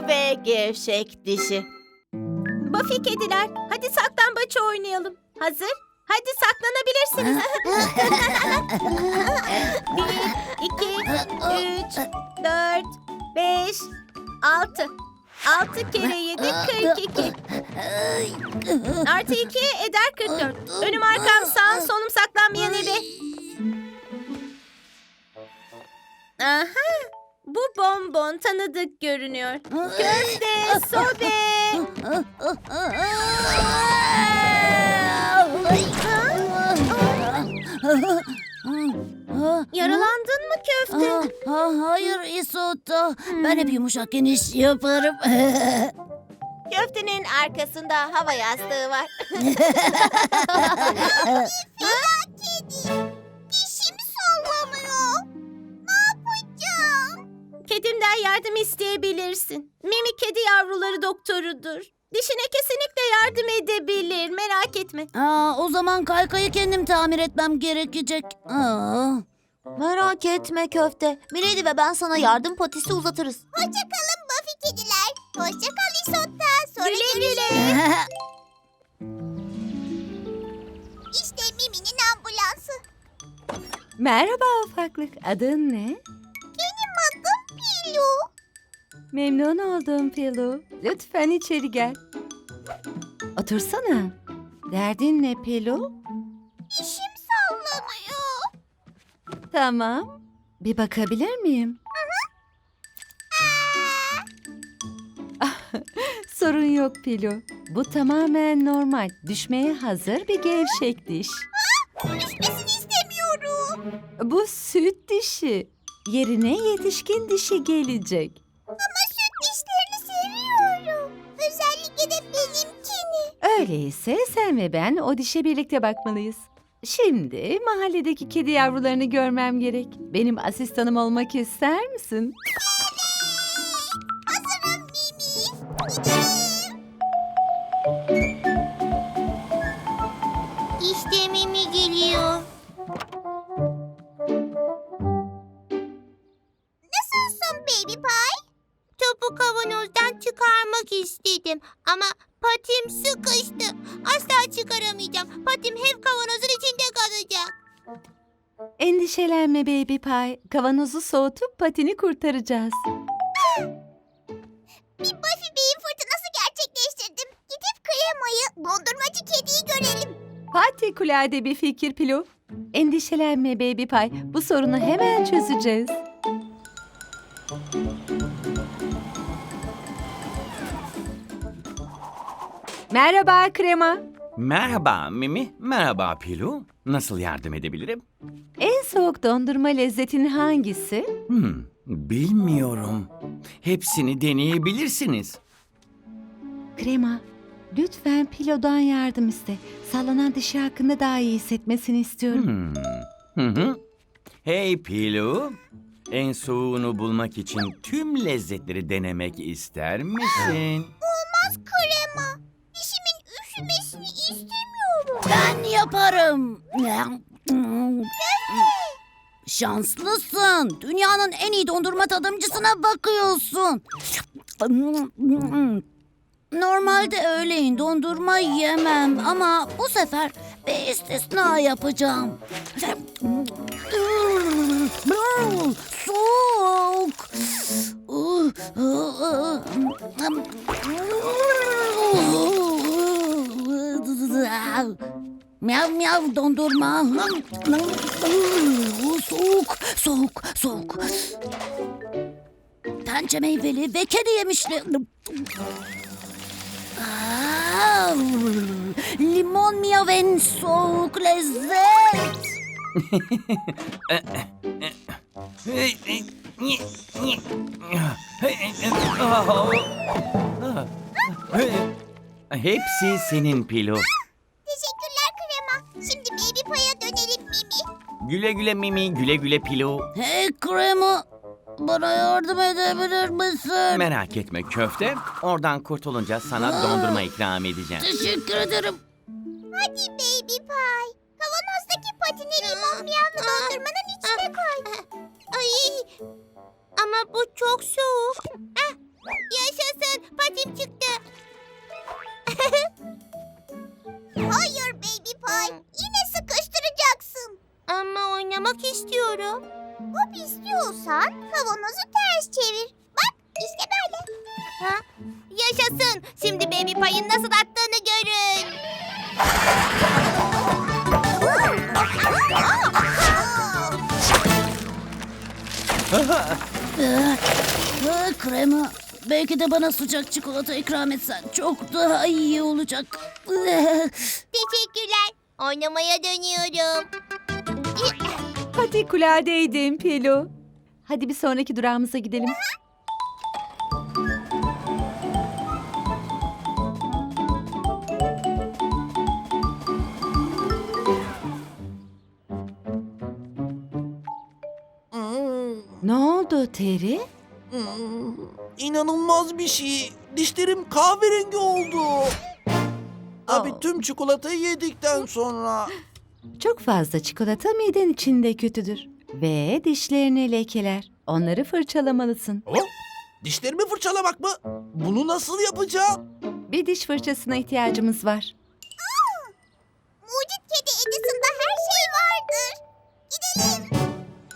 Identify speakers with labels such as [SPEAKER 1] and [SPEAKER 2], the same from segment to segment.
[SPEAKER 1] ve gevşek dişi. Buffy kediler, hadi saklambaç oynayalım. Hazır? Hadi saklanabilirsiniz. 1, 2, 3, 4, 5, 6. 6 kere 7, 42. Artı 2 eder 44. Önüm arkam sağım solum saklanmayan ebe. Aha, bu bonbon tanıdık görünüyor. Köfte, sobe. Yaralandın mı köfte?
[SPEAKER 2] Hayır Isotta. Ben hep yumuşakken iş yaparım.
[SPEAKER 1] Köftenin arkasında hava yastığı var.
[SPEAKER 3] Dişim sallanıyor. Ne yapacağım?
[SPEAKER 1] Kedimden yardım isteyebilirsin. Mimi kedi yavruları doktorudur. Dişine kesinlikle yardım edebilir. Merak etme.
[SPEAKER 2] O zaman kaykayı kendim tamir etmem gerekecek.
[SPEAKER 3] Merak etme köfte. Milady ve ben sana yardım patisi uzatırız. Hoşça kalın Buffy kediler. Hoşça kal Isotta. Sonra
[SPEAKER 1] Güle
[SPEAKER 3] görüşürüz.
[SPEAKER 1] güle.
[SPEAKER 3] İşte Mimi'nin ambulansı.
[SPEAKER 4] Merhaba ufaklık. Adın ne?
[SPEAKER 3] Benim adım Pilu.
[SPEAKER 4] Memnun oldum Pelu. Lütfen içeri gel. Otursana. Derdin ne Pelu?
[SPEAKER 3] Dişim sallanıyor.
[SPEAKER 4] Tamam. Bir bakabilir miyim? Sorun yok Pelu. Bu tamamen normal. Düşmeye hazır bir gevşek diş.
[SPEAKER 3] Düşmesini istemiyorum.
[SPEAKER 4] Bu süt dişi. Yerine yetişkin dişi gelecek.
[SPEAKER 3] Ama süt dişlerini seviyorum. Özellikle de benimkini.
[SPEAKER 4] Öyleyse sen ve ben o dişe birlikte bakmalıyız. Şimdi mahalledeki kedi yavrularını görmem gerek. Benim asistanım olmak ister misin?
[SPEAKER 3] Hazırım Mimi. Gidelim. İşte Mimi geliyor. Nasılsın Baby Pie? Topu kavanozdan çıkarmak istedim ama patim sıkıştı. Asla çıkaramayacağım. Patim hep kavanozun içinde kalacak.
[SPEAKER 4] Endişelenme Baby Pie. Kavanozu soğutup patini kurtaracağız.
[SPEAKER 3] Bir Buffy beyin fırtınası gerçekleştirdim. Gidip kremayı, dondurmacı kediyi görelim.
[SPEAKER 4] Harikulade bir fikir Pilo. Endişelenme Baby Pie. Bu sorunu hemen çözeceğiz. Merhaba Krema.
[SPEAKER 5] Merhaba Mimi, merhaba Pilu. Nasıl yardım edebilirim?
[SPEAKER 4] En soğuk dondurma lezzetin hangisi?
[SPEAKER 5] Bilmiyorum. Hepsini deneyebilirsiniz.
[SPEAKER 4] Krema, lütfen Pilo'dan yardım iste. Sallanan dişi hakkında daha iyi hissetmesini istiyorum.
[SPEAKER 5] Hey Pilu, en soğuğunu bulmak için tüm lezzetleri denemek ister misin?
[SPEAKER 3] Olmaz krema. Dişimin üşümesini istemiyorum.
[SPEAKER 2] Ben yaparım. Şanslısın. Dünyanın en iyi dondurma tadımcısına bakıyorsun. Normalde öğleyin dondurma yemem ama bu sefer bir istisna yapacağım. Soğuk. Miyav miyav dondurma. Soğuk, soğuk, soğuk. Pençe meyveli ve kedi yemişli. Limon miyav en soğuk lezzet.
[SPEAKER 5] Hepsi senin Pilu.
[SPEAKER 3] Teşekkürler krema. Şimdi Baby Pie'a dönelim Mimi.
[SPEAKER 5] Güle güle Mimi, güle güle Pilu.
[SPEAKER 2] Hey krema, bana yardım edebilir misin?
[SPEAKER 5] Merak etme köfte, oradan kurtulunca sana dondurma ikram edeceğim.
[SPEAKER 2] Teşekkür ederim.
[SPEAKER 3] Hadi Baby Pie. Kavanozdaki patini limon miyavlı dondurmanın içine koy. Ay. Ama bu çok soğuk. Yaşasın, patim çıktı. Hayır Baby Pie, yine sıkıştıracaksın. Ama oynamak istiyorum. Hop istiyorsan kavanozu ters çevir. Bak işte böyle. Ha? Yaşasın, şimdi Baby Pie'in nasıl attığını görün.
[SPEAKER 2] Krema. Belki de bana sıcak çikolata ikram etsen çok daha iyi olacak.
[SPEAKER 3] Teşekkürler. Oynamaya dönüyorum.
[SPEAKER 4] Patikuladeydim Pelu. Hadi bir sonraki durağımıza gidelim. Ne oldu Terry?
[SPEAKER 6] İnanılmaz bir şey. Dişlerim kahverengi oldu. Abi tüm çikolatayı yedikten sonra.
[SPEAKER 4] Çok fazla çikolata miden içinde kötüdür. Ve dişlerini lekeler. Onları fırçalamalısın.
[SPEAKER 6] Oh, dişlerimi fırçalamak mı? Bunu nasıl yapacağım?
[SPEAKER 4] Bir diş fırçasına ihtiyacımız var.
[SPEAKER 3] Mucit kedi Edison'da her şey vardır. Gidelim.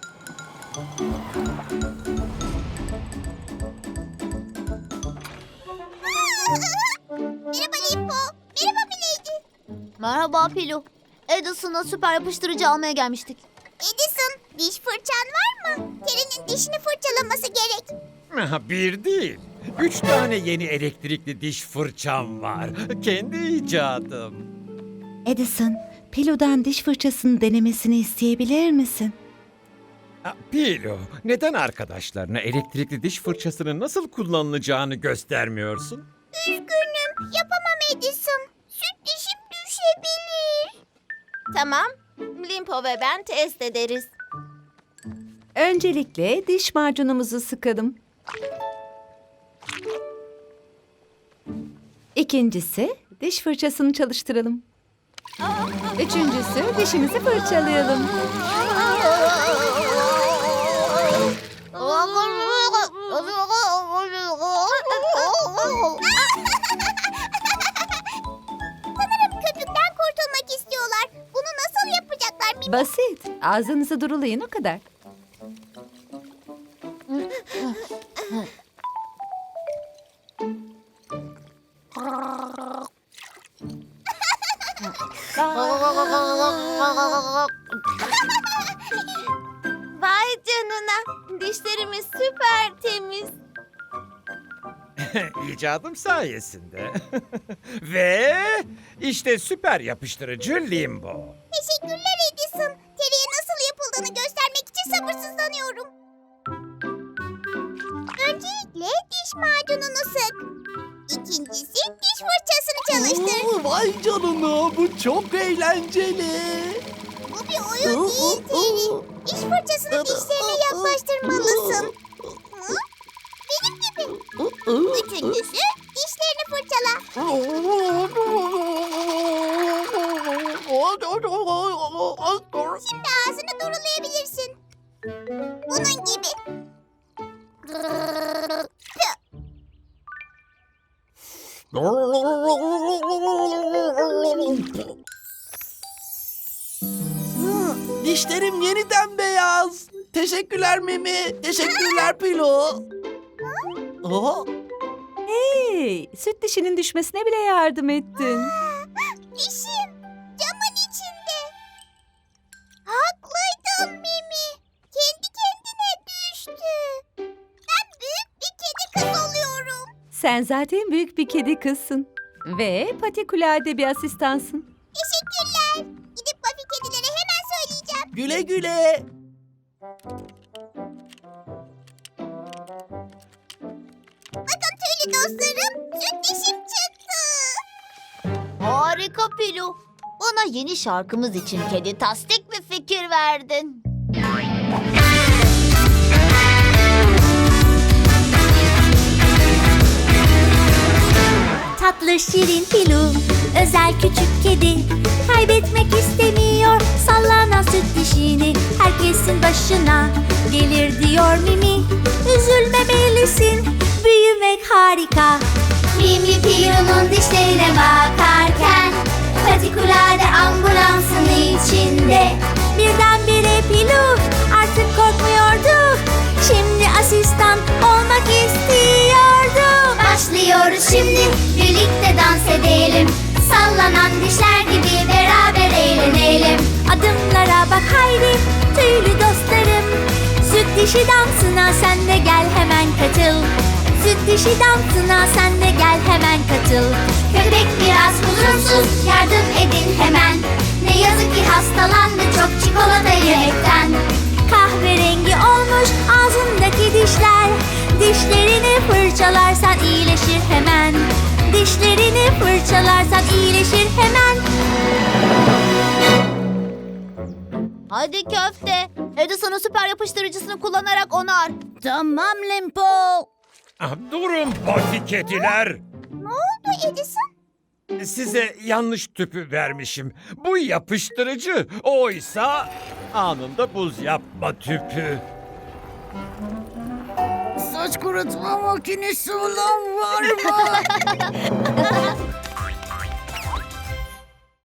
[SPEAKER 3] Merhaba Limpo. Merhaba Milady.
[SPEAKER 2] Merhaba Pilu. Edison'a süper yapıştırıcı almaya gelmiştik.
[SPEAKER 3] Edison, diş fırçan var mı? Terry'nin dişini fırçalaması gerek.
[SPEAKER 7] Bir değil. 3 tane yeni elektrikli diş fırçam var. Kendi icadım.
[SPEAKER 4] Edison, Pelu'dan diş fırçasını denemesini isteyebilir misin?
[SPEAKER 7] Pilo, neden arkadaşlarına elektrikli diş fırçasının nasıl kullanılacağını göstermiyorsun?
[SPEAKER 3] Üzgünüm, yapamam Edison. Süt dişim düşebilir. Tamam, Limpo ve ben test ederiz.
[SPEAKER 4] Öncelikle diş macunumuzu sıkalım. İkincisi, diş fırçasını çalıştıralım. Üçüncüsü, dişimizi fırçalayalım.
[SPEAKER 3] Sanırım köpükten kurtulmak istiyorlar. Bunu nasıl yapacaklar?
[SPEAKER 4] Basit. Ağzınızı durulayın o kadar.
[SPEAKER 3] Vay canına. Dişlerimiz süper temiz.
[SPEAKER 7] İcadım sayesinde. Ve işte süper yapıştırıcı Limbo.
[SPEAKER 3] Teşekkürler Edison. Terry'e nasıl yapıldığını göstermek için sabırsızlanıyorum. Öncelikle diş macununu sık. İkincisi diş fırçasını çalıştır.
[SPEAKER 6] Vay canına, bu çok eğlenceli.
[SPEAKER 3] Bu bir oyun değil Terry. Diş fırçasını dişlerine yaklaştırmalısın. Hı? Benim gibi. Üçüncüsü dişlerini fırçala. Şimdi ağzını durulayabilirsin. Bunun gibi.
[SPEAKER 6] Dişlerim yeniden beyaz. Teşekkürler Mimi. Teşekkürler Pilo. Aa,
[SPEAKER 4] Hey, süt dişinin düşmesine bile yardım ettin.
[SPEAKER 3] Dişim camın içinde. Haklıydın Mimi. Kendi kendine düştü. Ben büyük bir kedi kız oluyorum.
[SPEAKER 4] Sen zaten büyük bir kedi kızsın. Ve patikulade bir asistansın.
[SPEAKER 3] Teşekkürler. Gidip Buffy kedilere hemen söyleyeceğim.
[SPEAKER 6] güle güle.
[SPEAKER 3] Bakın tüylü dostlarım, süt dişim çıktı.
[SPEAKER 2] Harika Pilu. Bana yeni şarkımız için kedi tasdik bir fikir verdin.
[SPEAKER 8] Tatlı şirin Pilu, özel küçük kedi. Kaybetmek istemiyor sallanan süt dişini. Herkesin başına gelir diyor Mimi. Üzülmemelisin, büyümek harika. Mimli Piru'nun dişlerine bakarken patikulade ambulansın içinde. Birdenbire Pilu artık korkmuyordu. Şimdi asistan olmak istiyordu. Başlıyoruz şimdi, birlikte dans edelim. Sallanan dişler gibi beraber eğlenelim. Adımlara bak haydi tüylü dostlarım. Süt dişi dansına sen de gel hemen katıl. Süt dişi dansına sen de gel hemen katıl. Köpek biraz huzursuz, yardım edin hemen. Ne yazık ki hastalandı çok çikolata yemekten. Kahverengi olmuş ağzındaki dişler. Dişlerini fırçalarsan iyileşir hemen. Dişlerini fırçalarsan iyileşir hemen.
[SPEAKER 2] Hadi köfte. Edison'un süper yapıştırıcısını kullanarak onar. Tamam Limpo.
[SPEAKER 7] Ah, durun pati kediler.
[SPEAKER 3] Ne oldu Edison?
[SPEAKER 7] Size yanlış tüpü vermişim. Bu yapıştırıcı. Oysa anında buz yapma tüpü.
[SPEAKER 2] Saç kurutma makinesi olan var mı?